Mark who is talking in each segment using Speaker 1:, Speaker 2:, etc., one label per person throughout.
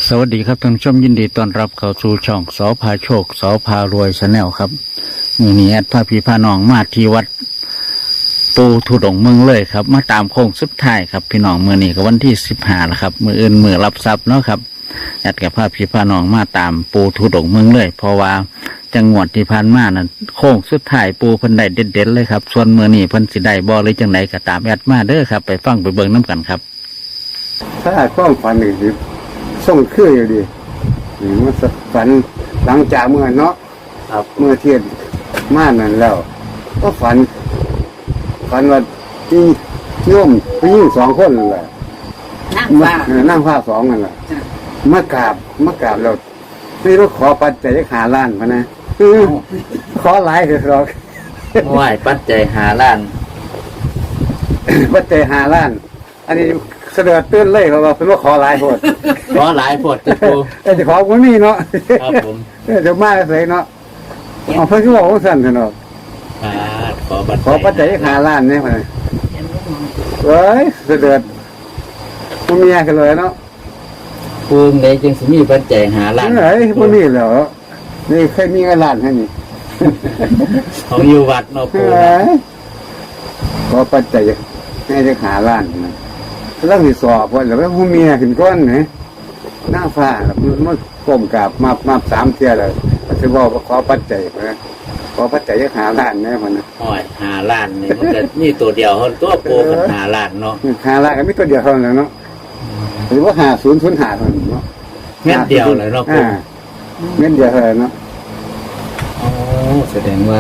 Speaker 1: สวัสดีครับท่านผู้ชมยินดีต้อนรับเข้าสู่ช่องสอพาโชคสอพารวยชาแนลครับมือนี้แอดพาพี่พาน้องมาที่วัดปูทุดงเมืองเลยครับมาตามโค้งสุดท้ายครับพี่น้องมือนี้ก็วันที่15แล้วครับมืออื่นมือรับทรัพย์เนาะครับแอดกับพาพี่พาน้องมาตามปูทุดงเมืองเลยเพราะว่าจังหวัดที่ผ่านมานั้นโค้งสุดท้ายปูเพิ่นได้เด็ดๆเลยครับส่วนมือนี้เพิ่นสิได้บ่หรือจังไดก็ตามแอดมาเด้อครับไปฟังไปเบิ่งน้ำกันครับ
Speaker 2: ถ้าความฝันนี่ส่งคืออยู่ดีนี่มันฝันหลังจากเมื่อเนาะครับเมื่อเทียนมานั่นแล้วก็ฝันว่าที่โยมผู้หญิง2 คนนั่นแหละนั่งผ้า2นั่นแหละมากราบแล้วไม่รู้ขอปัจจัย5 ล้านพะนะขอหลายเถอะหรอก
Speaker 1: ไหว้ปัจจัย5 ล้าน
Speaker 2: ปัจจัย5 ล้านอันนี้เสด็จตื่นเลยเพราะว่าเป็นว่าขอหลายโพด
Speaker 1: ขอหลายโพดจะปู
Speaker 2: จะขอคนนี้เนาะ
Speaker 1: ครับผม
Speaker 2: จะมาเลยเนาะเอาเพื่อนก็บอกว่าสั่นเนาะขอปัจจัย5 ล้านเนี่ยมาเฮ้ยเสด็จมันมีอะไรกันเลยเนาะ
Speaker 1: ปูไหนจึงสิมีปัจจัย5 ล้าน
Speaker 2: เฮ้ยมันนี่เหรอนี่เคยมีเงินล้านให้นี่
Speaker 1: ของอยู่วัดเนาะปู
Speaker 2: ขอปัจจัยให้จะ5 ล้านนะแล้วที่สอบว่าแล้วผู้เมียขึ้นก้อนไหนหน้าฟ้ามันก้มกราบมา3 เที่ยเลยจะบอกว่าขอปัจจัยนะขอปัจจัย5 ล้านเนี่ยมันนะ
Speaker 1: 5 ล้านนี่มันก็มีตัวเดียวตัวปูกัน5 ล้านเนาะ
Speaker 2: 5 ล้านก็มีตัวเดียวเท่านั้นเนาะหรือว่า5005เท่านั้นเนาะ
Speaker 1: เม็ดเดียวเลยเนาะปู
Speaker 2: เม็ดเดียวเท่านั้นเนาะ
Speaker 1: อ๋อแสดงว่า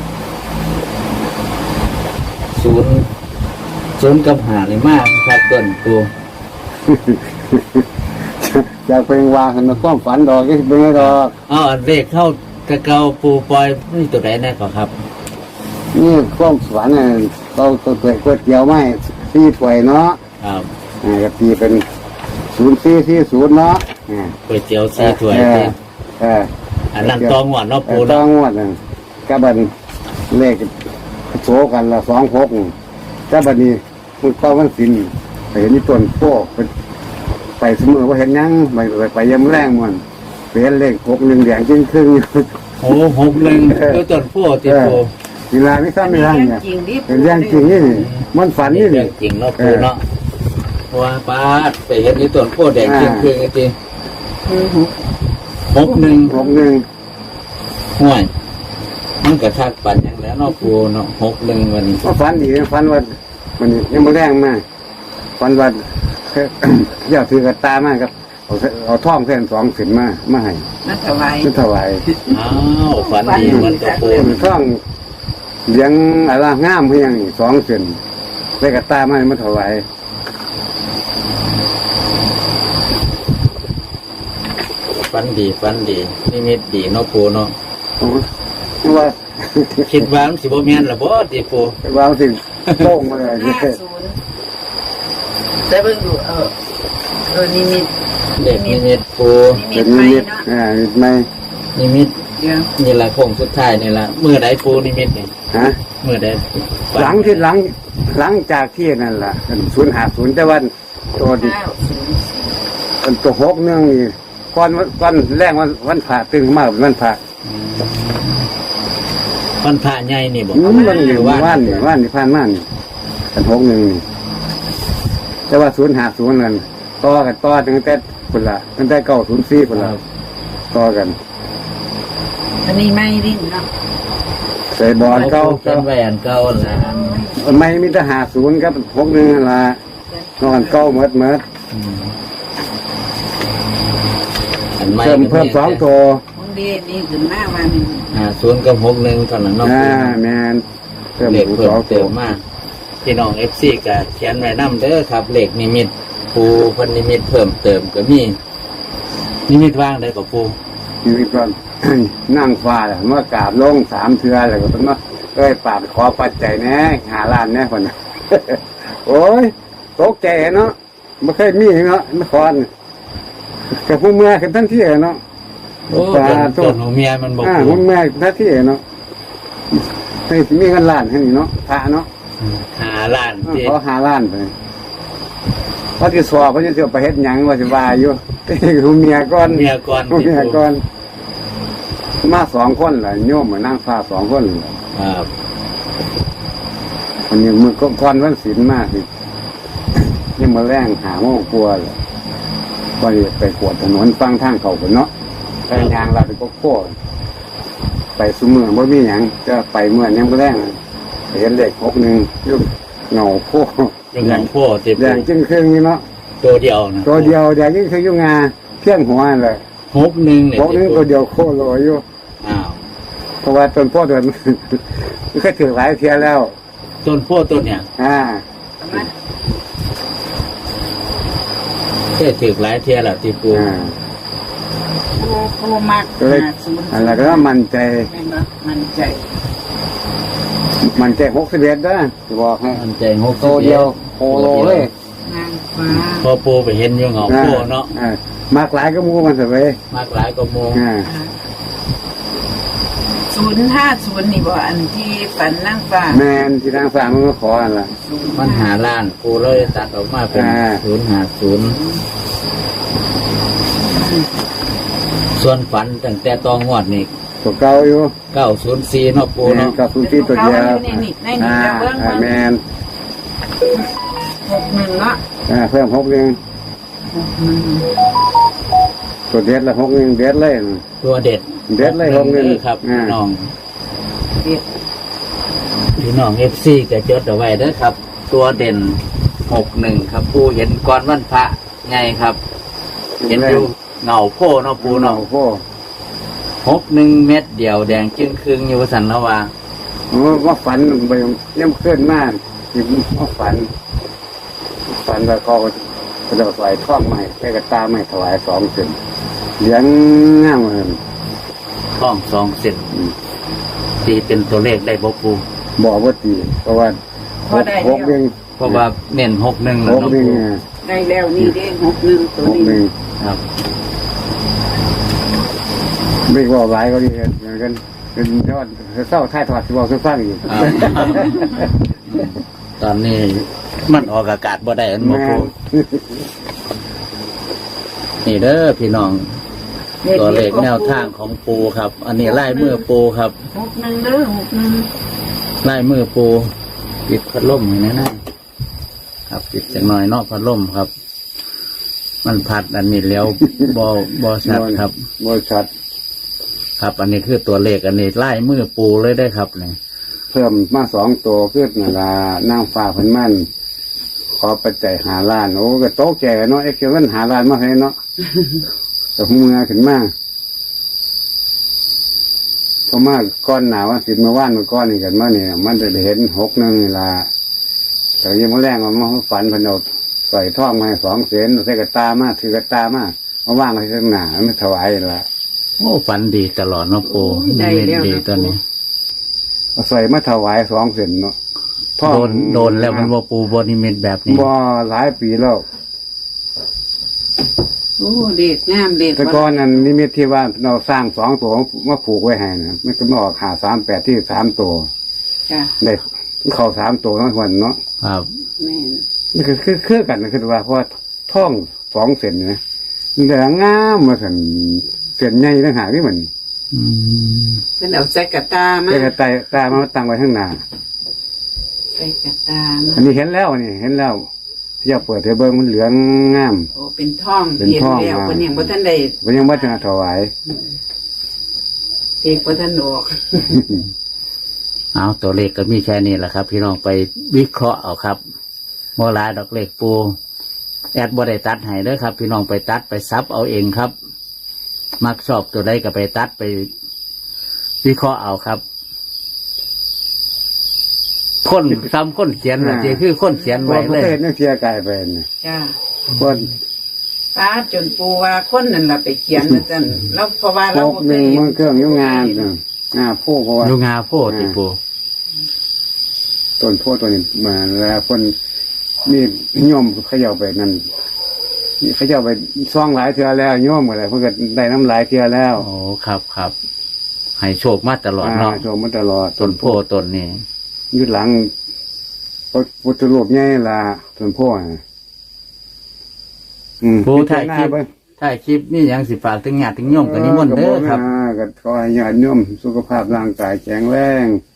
Speaker 1: 0 กับ 5นี่มากครับต้นปู
Speaker 2: อยากเป็นวางให้มันความฝันดอกก็เป็นไงดอก
Speaker 1: เลขเข้ากระเกาปูปล่อยนี่ตัวไหนแน่ก่อนครับ
Speaker 2: นี่ความฝันเนี่ยเราตัวก๋วยเตี๋ยวไม่4 ถ้วยเนาะ
Speaker 1: ครับ
Speaker 2: ก็ตีเป็น0440เนาะ
Speaker 1: ก๋วยเตี๋ยว4 ถ้วยอันนั้นตองหวานเนาะปู
Speaker 2: ตองหวานกับบันเลขโซกันละ26กับบันนี้มันเข้าวันศิลป์ไปเห็นนี่ต้นโพไปเสมอว่าเห็นยังไปยำแรงมันเป็นเลข61แดงจึงครึ่ง
Speaker 1: โอ้61คือต้นโพติโพ
Speaker 2: เวลาไม่ซ้ำไม่ได้เนี่ยเป็นเรื่องจริงนี่มันฝันนี่
Speaker 1: เรื่องจริงเนาะปูเนาะว่าป้าไปเห็นนี่ต้นโพแดงจึงครึ่งจริง61ห่วยมันกระทักปันอย่างแล้วเนาะปูเนาะ61วัน
Speaker 2: ก็ฝันดีฝันว่ามันยังไม่แรงมากฝันว่าเดี๋ยวถือกระตามากครับเอาท่องเส้น2 เส้นมาให้
Speaker 3: นั่นถวาย
Speaker 1: อ้าวฝันดีมันกระปู
Speaker 2: ท่องเลี้ยงอะไรงามเพียง2 เส้นได้กระตามาถวาย
Speaker 1: ฝันดีนิมิตดีเนาะปูเนาะ
Speaker 2: ว่า
Speaker 1: คิดว่ามันสิบ่แม่นล่ะบ่ติปู
Speaker 2: ว่าสิโล่งมาเลย
Speaker 3: แต่เบิ่งดูนิมิต
Speaker 1: เด็กนิมิตปู
Speaker 2: เป็นนิมิตไม่
Speaker 1: นิมิตนี่ล่ะโค้งสุดท้ายนี่ล่ะมื้อใดปูนิมิตนี่มื้อใด
Speaker 2: หลังจากที่นั่นล่ะ050แต่วันตัวนี้ตัว6นึงนี่ก่อนแรกวันพระตึงมากวันพระ
Speaker 1: วันพระใหญ่นี่บ่
Speaker 2: มันอยู่ว่านนี่ผ่านมานี่กัน6 นึงนี่แต่ว่า050นั่นต่อตั้งแต่พุ่นละตั้งแต่904พุ่นละต่อกัน
Speaker 3: อันนี้ไม่ดิ้นเนาะ
Speaker 2: ใส่บอลเก่า
Speaker 1: เป็นแหวนเก่าล่ะ
Speaker 2: ไม่มีแต่50ครับ61นั่นล่ะนอนเก่าหมดเพิ่ม2 ตัว
Speaker 3: นี่ขึ้นมาวัน
Speaker 1: 0 กับ 61เท่านั้นเนาะ
Speaker 2: แม่น
Speaker 1: เพิ่ม2 ตัวมากพี่น้อง FC ก็เขียนไว้นำเด้อครับเลขนิมิตปูเพิ่นนิมิตเพิ่มเติมก็มีนิมิตว่างได้กับปู
Speaker 2: นิมิตก่อนนั่งฟ้าแหละเมื่อกราบลง3 เทื่อแล้วก็ต้องมาปากขอปัจจัยแน่5 ล้านแน่คนโอ้ยตกใจเนาะไม่เคยมีเนาะนครกับผู้เมื่อกันทันทีเนาะ
Speaker 1: โอ้ต้นหัวเมียมันบอก
Speaker 2: ผู้เมื่อทันทีเนาะให้มีเงินล้านให้เนาะพระเนาะ
Speaker 1: 5 ล้าน
Speaker 2: ขอ5 ล้านไปเพราะที่สอบเพราะจะไปเฮ็ดหยังว่าสิว่าอยู่คือเมียก่อน
Speaker 1: เมียก่อน
Speaker 2: เมียก่อนมา2 คนแหละโยมมานั่งฟ้า2 คนแหละ
Speaker 1: ครับ
Speaker 2: อันนี้มือก่อนวันศีลมากสิยังมาแรงหาโมงกลัวเลยก็ไปกวดถนนฟังทางเขาคนเนาะไปยางเราไปก็โค้ไปสุเมืองบ่มีหยังจะไปเมื่อยังมาแรงเห็นเลข61ยุ่งเงาโค้
Speaker 1: ยังยังพ่อติ
Speaker 2: แดงจึงครึ่งนี่เนาะ
Speaker 1: ตัวเดียวนะ
Speaker 2: ตัวเดียวแดงจึงครึ่งยุ่งงาเที่ยงหัวเลย
Speaker 1: 61เนี่ย
Speaker 2: 61ตัวเดียวโค้โลอยู่
Speaker 1: อ้าว
Speaker 2: เพราะว่าต้นพ่อเดิน เคยถือหลายเทียแล้ว
Speaker 1: ต้นพ่อต้นเนี่ย
Speaker 3: เอามา
Speaker 1: แค่ถือหลายเทียแล้วที่ปู
Speaker 3: โคมัก
Speaker 2: ก็เลย
Speaker 3: 50
Speaker 2: อะไรก็มั่นใจ
Speaker 3: แม่นบ่มั่นใจ
Speaker 2: มันใจ61นะจะบอกให้
Speaker 1: มันใจหก
Speaker 2: ตัวเดียวโคโลเลย
Speaker 3: นางฟ้า
Speaker 1: พอปูไปเห็นอยู่เงาพ่อเนาะ
Speaker 2: มากหลายก็มูมันสิเว้ย
Speaker 1: มากหลายก็โมง
Speaker 3: 050นี่บ่อันที่ฝันนางฟ้า
Speaker 2: แมนที่ทางสามมันก็ขออันละ
Speaker 1: มันหาล้านปูเลยตัดออกมาเป็น 050ส่วนฝันตั้งแต่ตองวดนี่
Speaker 2: ตัวเก่าอยู่
Speaker 1: 904เนาะปู
Speaker 2: แมน
Speaker 1: เนาะ
Speaker 2: กับสุที่ตัวเดียว
Speaker 3: ในนี่จะเบิ่ง
Speaker 2: แมน
Speaker 3: 61เนาะ
Speaker 2: เพิ่ม61
Speaker 3: 61
Speaker 2: ตัวเด็ดละ61เด็ดเลย
Speaker 1: ตัวเด็ด
Speaker 2: เด็ดเลย61
Speaker 1: ครับพี่น้อง
Speaker 3: เด็ด
Speaker 1: พี่น้อง FC ก็จดเอาไว้เด้อครับ ตัวเด่น61ครับปูเห็นก่อนวันพระไงครับ เห็นอยู่เงาโพเนาะปู
Speaker 2: เนา
Speaker 1: เนาะ
Speaker 2: โอ้
Speaker 1: 61 เม็ดเดียวแดงจึงครึ่งอยู่ว่าสันละว่า
Speaker 2: ว่าฝันไปย่ำเคลื่อนมากว่าฝันแล้วเขาจะใส่ท่องใหม่ไปกระตาใหม่ถวาย2 เส้นเลี้ยงง่ามเลย
Speaker 1: ท้อง2 เซนตีเป็นตัวเลขได้บ่ปู
Speaker 2: บอกว่าตีเพราะว่า6 1
Speaker 1: เพราะว่าเน้น61แล้วเนาะปู
Speaker 3: ได้แล้วนี่เด้61ตัวนี้
Speaker 2: 61
Speaker 1: ครับ
Speaker 2: ไม่บอกหลายก็ดีเหมือนกันเป็นยอดเศร้าท้ายถอดที่บอกซื้อฟังอยู่
Speaker 1: ครับ ตอนนี้มันออกอากาศบ่ได้อันบ่
Speaker 2: แม่
Speaker 1: ปูนี่เด้อพี่น้อง ตัวเลขแนวทางของปูครับ อันนี้ไล่มือปูครับ
Speaker 3: 61เด้อ61
Speaker 1: ไล่มือปูปิดพัดลมอย่างนี้นะครับปิดจังหน่อยเนอกพัดลมครับ มันพัดอันนี้แล้วบอชัดครับ
Speaker 2: บริษัท
Speaker 1: ครับ อันนี้คือตัวเลขอันนี้ไล่มือปูเลยได้ครับเนี่ย
Speaker 2: เพิ่มมา2 ตัวขึ้นเวลานั่งฟ้าเพิ่นมั่นขอปัจจัย5 ล้านโอ้ก็โต๊ะแก่เนาะเกี่ยวกัน5 ล้านมาให้เนาะแต่หูมือขึ้นมาเพราะมาก้อนหนาว่าสิมาว่านมาก้อนนี่กันมาเนี่ยมันจะได้เห็น61เวลาแต่ยังมาแรงมาฝันเพนเอาใส่ท่องมาให้2 เส้นใส่กระตามาถือกระตามาว่างไว้ข้างหน้าไม่ถวายละ
Speaker 1: โอ้ฝันดีตลอดเนาะปูนี่เล่นดีตัวนี้
Speaker 2: เอาใส่มาถวาย2 เส้นเนาะท่อง
Speaker 1: โดนแล้วมันว่าปูบนิมิตแบบนี้
Speaker 2: บ่หลายปีแล้ว
Speaker 3: โอ้เด็ดงามเด็ด
Speaker 2: แต่ก่อนนั้นนิมิตที่ว่าเราสร้าง2 ตัวมาผูกไว้ให้นะมันก็มาออก538ที่3 ตัว
Speaker 3: จ้ะ
Speaker 2: ได้เข้า3 ตัวทั้งวันเนาะ
Speaker 1: ครับ
Speaker 3: แม่น
Speaker 2: นี่คือกันนะคือว่าเพราะว่าท่อง2 เส้นนะมันได้งามมาสั่นเส้นใหญ่ต่างหากนี่มัน
Speaker 1: อืม
Speaker 3: เพิ่นเอาใส่กระตามา
Speaker 2: แต่กระตามาตั้งไว้ข้างหน้า
Speaker 3: ใส่กระตามา
Speaker 2: อันนี้เห็นแล้วนี่เห็นแล้วเจ้าเปิดเทเบิงมันเหลืองงาม
Speaker 3: โอ้เป็นท่อง
Speaker 2: เป็น
Speaker 3: เห็น
Speaker 2: ท่อง
Speaker 3: แล้ว
Speaker 2: มา
Speaker 3: เพิ่นยังบ่ทันได้
Speaker 2: มันยังวัฒนาถวาย
Speaker 3: เอกบ่ทันออก
Speaker 1: เอาตัวเลขก็มีแค่นี้แหละครับ พี่น้องไปวิเคราะห์เอาครับโมลายดอกเลขปูแอดบ่ได้ตัดให้เด้อครับ พี่น้องไปตัดไปซับเอาเองครับ มักชอบตัวใดก็ไปตัดไป วิเคราะห์เอาครับ คนซ้ำคนเขียนนะเจคือคนเขียน
Speaker 2: ว่า
Speaker 1: ไว้
Speaker 2: ประ
Speaker 1: เลย
Speaker 2: เทศนักเชียร์กายไปนะ
Speaker 3: จ้า
Speaker 2: คน
Speaker 3: ป้าจนปูว่าคนนั่นล่ะไปเขียนนะจันแล้วเพราะว่า
Speaker 2: พ
Speaker 3: เรา
Speaker 2: ก
Speaker 3: บ่
Speaker 2: หนึ่ง
Speaker 3: เคย
Speaker 2: มันเครื่องยุ่งงานผู้เพราะว่า
Speaker 1: ดูงาโพดติปู
Speaker 2: ต้นโพตัวนี้มาแล้วคนนี่โยมเขย่าไปนั่นนี่เขย่าไปซ่องหลายเทือแล้วโยมอะไรเพื่อได้น้ำหลายเทือแล้ว
Speaker 1: โอ้ครับครับให้โชคมาตลอดเนาะ
Speaker 2: โชมมาตลอด
Speaker 1: ต้นโพต้นนี้
Speaker 2: ยืดหลังพุทธรูปใหญ่ละต้นโพนะ
Speaker 1: ปูถ่ายคลิป
Speaker 2: ไป
Speaker 1: ถ่ถ่ายคลิปนี่ยังสิฝากถึงญาติถึงโยมกันนิมนต์เด้อครับ
Speaker 2: ก็ขอให้ญาติโยมสุขภาพร่างกายแข็งแรง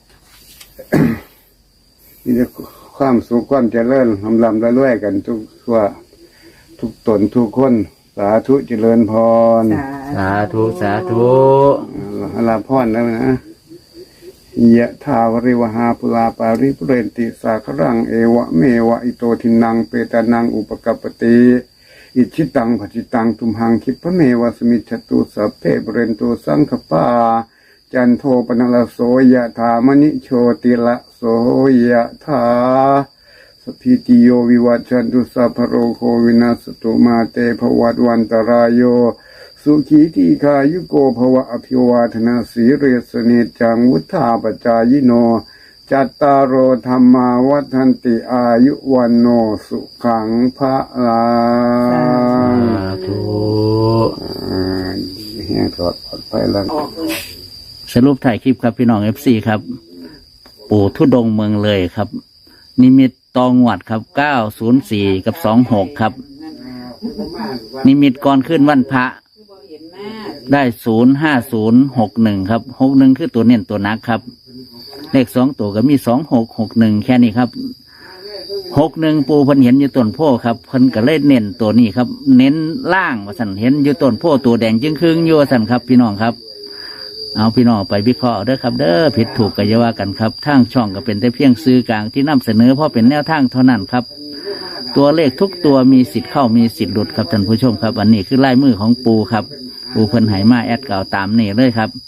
Speaker 2: มีแต่ความสุขความเจริญลำรวยๆกันทุกทั่วทุกตนทุกคนสาธุเจริญพร
Speaker 1: สาธุสาธุ
Speaker 2: ลาพรแล้วนะยะทาวริวหาปุราปาริปุเรนติสาครังเอวะเมวะอิโตทินังเปตานังอุปกัปปติอิชิตังปจิตังตุมหังคิปะเมวะสมิจฉตุสัพเพปุเรนตุสังคปาจันโทปนลโสยะธามณิโชติละโสยะธาสพิติโยวิวัชชันตุสัพพโรโควินาสตุมาเตภวัตวันตรายโยสุขีทีคายุโกภวะอภิวาทนาสีเรสเนจังวุธาปจายโนจัตตารโอธรรมาวัฏันติอายุวันโนสุขังพระลัง
Speaker 1: สาธุ
Speaker 2: แห่งปลอดภัยแล้ว
Speaker 1: สรุปถ่ายคลิปครับพี่น้อง FC ครับ ปู่ทุดงค์เมืองเลยครับ นิมิตตองวัดครับ904กับ26ครับ นิมิตก่อนขึ้นวันพระได้05061ครับ61คือตัวเน้นตัวนักครับ เลข2ตัวก็มี2661แค่นี้ครับ61ปูเพิ่นเห็นอยู่ต้นโพครับเพิ่นก็เลยเน้นตัวนี้ครับ เน้นล่างว่าสั่นเห็นอยู่ต้นโพตัวแดงจึงครึ่งอยู่ว่าสั่นครับพี่น้องครับ เอาพี่น้องไปวิเคราะห์เด้อครับเด้อผิดถูกก็อย่าว่ากันครับทางช่องก็เป็นแต่เพียงสื่อกลางที่นำเสนอเพราะเป็นแนวทางเท่านั้นครับ ตัวเลขทุกตัวมีสิทธิ์เข้ามีสิทธิ์หลุดครับท่านผู้ชมครับอันนี้คือลายมือของปูครับปูเพิ่นไหมาแอดเก่าตามนี่เลยครับ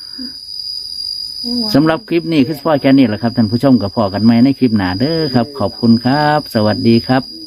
Speaker 1: สำหรับคลิปนี้คือพ่อแค่นี้แหละครับท่านผู้ชมกับพ่อกันไหมในคลิปหน้าเด้อครับ ขอบคุณครับ สวัสดีครับ